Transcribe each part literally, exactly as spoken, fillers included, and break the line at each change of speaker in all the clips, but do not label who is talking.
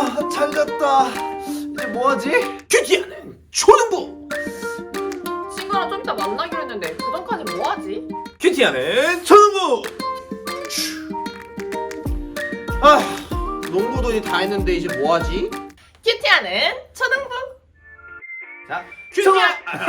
아, 잘 잤다. 이제 뭐하지? 큐티하는 초등부.
친구랑 좀 이따 만나기로 했는데 그 전까지 뭐 하지?
큐티하는 초등부. 아, 농구도 이제 다 했는데 이제 뭐하지?
큐티하는 초등부.
자, 큐티하.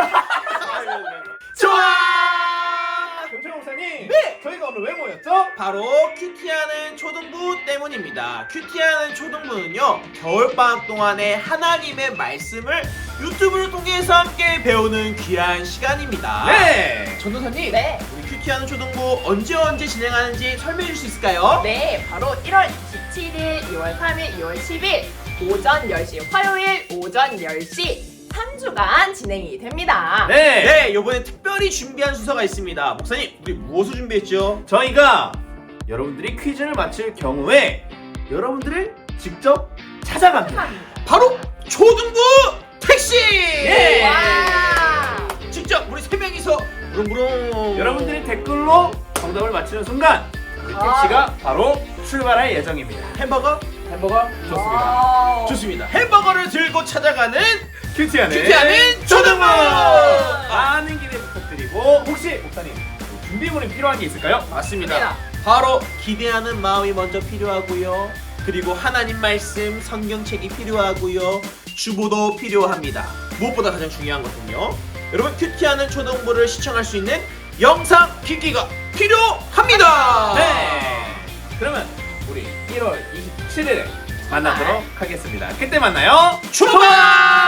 좋아.
경철 목사님,
네!
저희가 오늘 왜 모였죠?
바로 큐티하는 초등부 때문입니다. 큐티하는 초등부는요, 겨울방학 동안에 하나님의 말씀을 유튜브를 통해서 함께 배우는 귀한 시간입니다.
네, 전도사님.
네.
우리 큐티하는 초등부 언제 언제 진행하는지 설명해 줄 수 있을까요?
네, 바로 일월 이십칠일, 이월 삼일, 이월 십일 오전 열 시, 화요일 오전 열 시 삼 주간 진행이 됩니다.
네,
네, 이번에 특별히 준비한 순서가 있습니다. 목사님, 우리 무엇을 준비했죠?
저희가 여러분들이 퀴즈를 맞힐 경우에 여러분들을 직접 찾아갑니다.
바로 초등부 택시!
예!
와!
직접 우리 세 명이서 부릉부릉.
여러분들이 댓글로 정답을 맞히는 순간 우리
아.
택시가 바로 출발할 예정입니다.
햄버거?
햄버거 좋습니다.
와우.
좋습니다. 햄버거를 들고 찾아가는
큐티하는
큐티하는 초등부!
많은 기대 부탁드리고, 혹시 목사님 준비물이 필요한 게 있을까요?
맞습니다.
맞습니다.
바로 기대하는 마음이 먼저 필요하고요. 그리고 하나님 말씀, 성경책이 필요하고요. 주보도 필요합니다. 무엇보다 가장 중요한 것은요, 여러분 큐티하는 초등부를 시청할 수 있는 영상 기기가 필요합니다.
네. 그러면 우리 일월 이십칠일에 만나도록 하겠습니다. 그때 만나요.
출발!